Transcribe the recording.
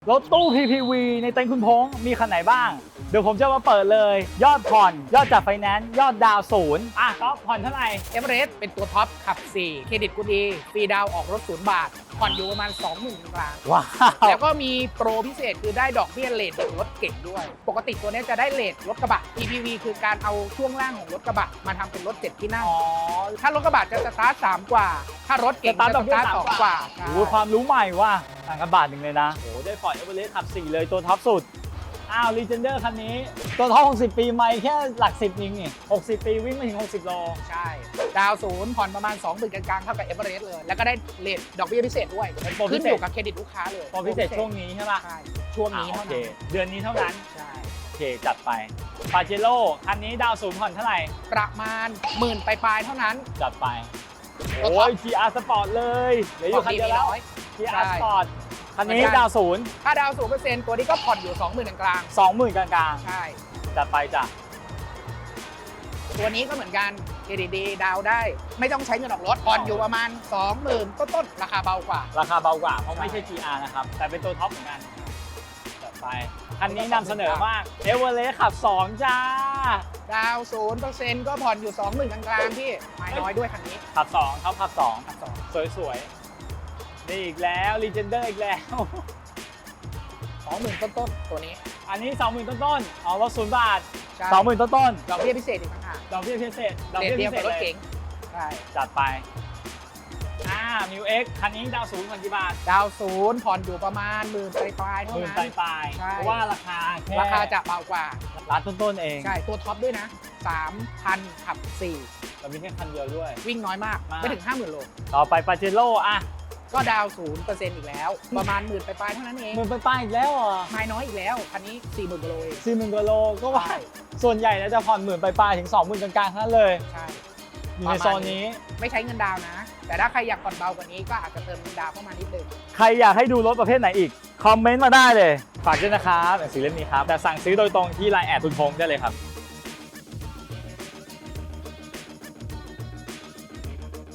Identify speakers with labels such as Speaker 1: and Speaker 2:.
Speaker 1: รถตู้ PPV ในเต็นท์คุณพงษ์มีคันไหนบ้างเดี๋ยวผมจะมาเปิดเลยยอดผ่อนยอดจากไฟแนนซ์ยอดดาวศูนย์ก็ผ่อนเท่าไหร่
Speaker 2: เอเวอเรสต์เป็นตัวท็อปขับ 4 เครดิตกูดีฟรีดาวน์ออกรถ0 บาท ผ่อนอยู่ประมาณ 20,000 กลาง
Speaker 1: ว้าว
Speaker 2: แล้วก็มีโปรพิเศษคือได้ดอกเบี้ยเลทของรถเก่งด้วย ปกติตัวนี้จะได้เลทรถกระบะ PPV คือการเอาช่วงล่างของรถกระบะมาทำเป็นรถ7ที่นั่ง
Speaker 1: อ๋อ
Speaker 2: ถ้ารถกระบะจะสตาร์ท3กว่า ถ้ารถเก่ง
Speaker 1: สตาร์ท
Speaker 2: จะ
Speaker 1: ดอกเบี้ย
Speaker 2: 2กว่า
Speaker 1: โอ้โหความรู้ใหม่ว่ะต่างกันบาทหนึ่งเลยนะโอ้ได้ผ่อนเอเวอเรสต์ขับ 4 เลยตัวท็อปสุดลีเจนเดอร์คันนี้ตัวท็อป60 ปีไม่แค่หลัก 10เองนี่60 ปีวิ่งไม่ถึง60 โล
Speaker 2: ใช่ ดาวศูนย์ผ่อนประมาณ 20,000 กลางๆเท่ากับเอเวอเรสต์เลย แล้วก็ได้เลทดอกเบี้ยพิเศษด้วย
Speaker 1: เป็นโปรพิ
Speaker 2: ขึ้น
Speaker 1: เศษ
Speaker 2: อยู่กับเครดิตลูกค้าเลย
Speaker 1: พอพิเศษช่วงนี้ใช่ป่ะ
Speaker 2: ใช่ช่วงนี้
Speaker 1: โอ
Speaker 2: เท่า
Speaker 1: เค
Speaker 2: นั้น
Speaker 1: เดือนนี้เท่านั้น
Speaker 2: ใช่
Speaker 1: โอเคจัดไปปาเจโร่คันนี้ดาวศูนย์ผ่อนเท่าไหร่
Speaker 2: ประมาณ10,000ปลายๆเท่านั้น
Speaker 1: จัดไป
Speaker 2: ตัวท็
Speaker 1: โอ้
Speaker 2: อป
Speaker 1: ย GR Sport เลยเหลืออยู่คันเดียวแล้ว
Speaker 2: น้อย
Speaker 1: GR
Speaker 2: ใช่
Speaker 1: Sport คันนี้
Speaker 2: เหมือนกัน
Speaker 1: ดาวศูนย์
Speaker 2: ถ้าดาว0%ตัวนี้ก็ผ่อนอยู่ 20,000 กลาง
Speaker 1: 20,000 กลาง
Speaker 2: ๆใช่
Speaker 1: ๆจัดไปจ้ะ
Speaker 2: ตัวนี้ก็เหมือนกันเครดิตดีดาวได้ ไม่ต้องใช้เงินออกรถผ่อนอยู่ประมาณ 20,000ต้นๆราคาเบากว่า
Speaker 1: ราคาเบากว่าเพราะ
Speaker 2: ใช่
Speaker 1: ไม่ใช่ GR นะครับ แต่เป็นตัวท็อปเหมือนกันจัดไป คันนี้นำเสนอมากเอเวอเรสต์ขับ 2 จ้า
Speaker 2: ดาว0%ก็ผ่อนอยู่ 20,000 กลางๆพี่ไม่น้อยด้วยคันนี้
Speaker 1: ขับ 2เขาขับ
Speaker 2: ขับสอง
Speaker 1: 2 สวยๆ นี่อีกแล้ว Legender อีกแล้ว
Speaker 2: 20,000ต้นๆตัวนี้
Speaker 1: อันนี้ 20,000 ต้นๆรถ0 บาท
Speaker 2: ใช่
Speaker 1: 20,000 ต้น
Speaker 2: ดอกเบี้ยพิเศษอีกต่างหาก
Speaker 1: ๆดอกเบี้ยพิเศษดอก
Speaker 2: เรท
Speaker 1: เบี้ย
Speaker 2: เดี
Speaker 1: พิ
Speaker 2: ยว
Speaker 1: เศษเลย
Speaker 2: กับรถเก๋งใช่
Speaker 1: จัดไปมิวเอ็กคันนี้ดาวศูนย์ผ่อนกี่บาท
Speaker 2: ดาว0ผ่อนอยู่ประมาณ10,000ปลายๆเท่า
Speaker 1: หมื่น
Speaker 2: นั้น
Speaker 1: ปลาย
Speaker 2: ใช่
Speaker 1: ๆเพราะว่าราคาแค่
Speaker 2: ราคาจะเบากว่า
Speaker 1: ร้านต้นๆเอง
Speaker 2: ใช่ ตัวท็อปด้วยนะ 3,000 ขับ
Speaker 1: เรามีแค่คันเดียวด้วย
Speaker 2: 4 วิ่งน้อยมาก
Speaker 1: มาก
Speaker 2: ไม่ถึง 50,000 โล
Speaker 1: ต่อไปปาเจโร่
Speaker 2: ก็ดาว0%อีกแล้ว ประมาณ10,000ปลายๆเท่านั้นเอง
Speaker 1: หมื่นปลายๆอีกแล้วเหรอ
Speaker 2: ไม่น้อยอีกแล้วคันนี้ 40,000 กิโลเอง
Speaker 1: 40,000 กว่าโลก็ว่า
Speaker 2: ใช่
Speaker 1: ส่วนใหญ่แล้วจะผ่อนหมื่นปลายๆถึง 20,000 กลางๆทั้งนั้นเลย
Speaker 2: ใช่
Speaker 1: อยู่ในโซนนี้
Speaker 2: ไม่ใช้เงินดาวน์นะ แต่ถ้าใครอยากผ่อนเบากว่านี้ก็อาจจะเติมเงินดาวน์เข้ามานิดนึง
Speaker 1: ใครอยากให้ดูรถประเภทไหนอีก คอมเมนต์มาได้เลย ฝากด้วยนะครับหนังสือเล่มนี้ครับ แต่สั่งซื้อโดยตรงที่ LINE แอดคุณพงษ์ได้เลยครับ